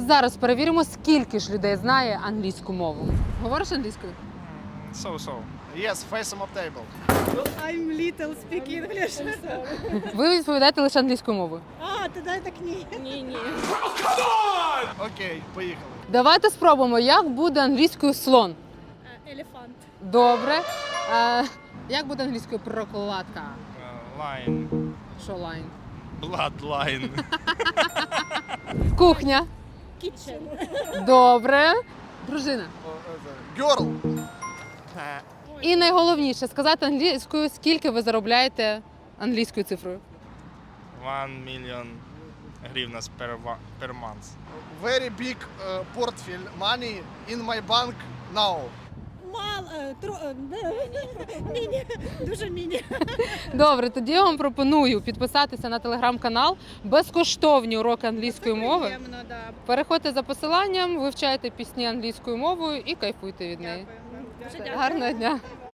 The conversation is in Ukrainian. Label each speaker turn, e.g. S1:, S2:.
S1: зараз перевіримо, скільки ж людей знає англійську мову. Говориш англійською?
S2: So. Yes, face on table.
S3: I'm little speak English.
S1: Ви відповідаєте лише англійською мовою.
S3: А, тоді так ні. Ні.
S2: Окей, поїхали.
S1: Давайте спробуємо, як буде англійською слон.
S3: Елефант.
S1: Добре. Як буде англійською прокладка?
S2: Line.
S1: Що лайн?
S2: Bloodline.
S1: Кухня.
S3: Kitchen.
S1: Добре. Дружина.
S2: Girl.
S1: І найголовніше сказати англійською, скільки ви заробляєте англійською цифрою.
S2: 1 million гривнас per month.
S4: Very big portfolio money in my bank now.
S3: Міні. Дуже міні.
S1: Добре, тоді я вам пропоную підписатися на телеграм-канал, безкоштовні уроки англійської мови.
S3: Приємно, да.
S1: Переходьте за посиланням, вивчайте пісні англійською мовою і кайфуйте від неї.
S3: Дякую. Дуже дякую.
S1: Гарного дня!